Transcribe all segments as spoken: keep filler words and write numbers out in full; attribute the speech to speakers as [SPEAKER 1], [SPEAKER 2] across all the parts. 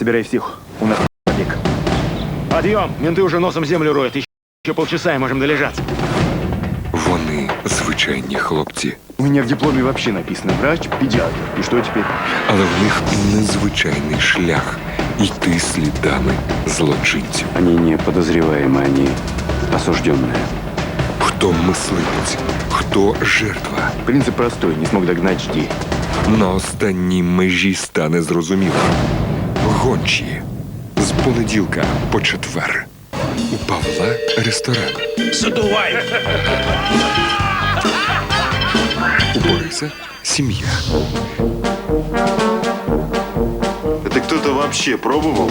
[SPEAKER 1] собирай всех. У нас побег. Подъем! Менты уже носом землю роют. Еще полчаса и можем долежаться.
[SPEAKER 2] Вони звичайні хлопці,
[SPEAKER 1] У меня в дипломе вообще написано врач, педиатр. И что теперь?
[SPEAKER 2] але в них незвичайний шлях йти слідами злочинців.
[SPEAKER 3] Они не подозреваемые, они осужденные.
[SPEAKER 2] Хто мисливець, хто жертва.
[SPEAKER 1] Принцип простой. Не смог догнать, жди.
[SPEAKER 2] На останній межі стане зрозуміло. Гончі. З понеділка по четвер. У Павла ресторан.
[SPEAKER 4] Задувай!
[SPEAKER 2] У Бориса сім'я.
[SPEAKER 5] Это кто-то вообще пробовал?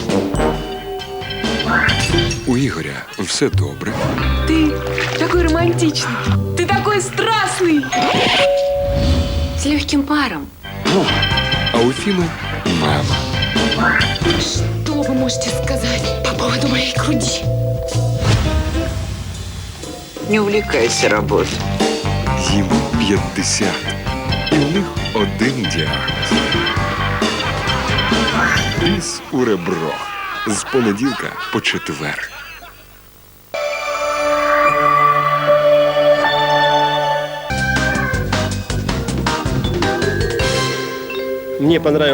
[SPEAKER 2] У Ігоря все добре.
[SPEAKER 6] Ты такой романтичный. Ты такой страстный.
[SPEAKER 7] С легким паром.
[SPEAKER 2] А у Фіми мама.
[SPEAKER 6] Что вы можете сказать по поводу моей груди?
[SPEAKER 8] Не увлекайся работой.
[SPEAKER 2] Їм п'ятдесят. І у них один діагноз. Біс у ребро. З понеділка по четвер.
[SPEAKER 4] Мне понравилось.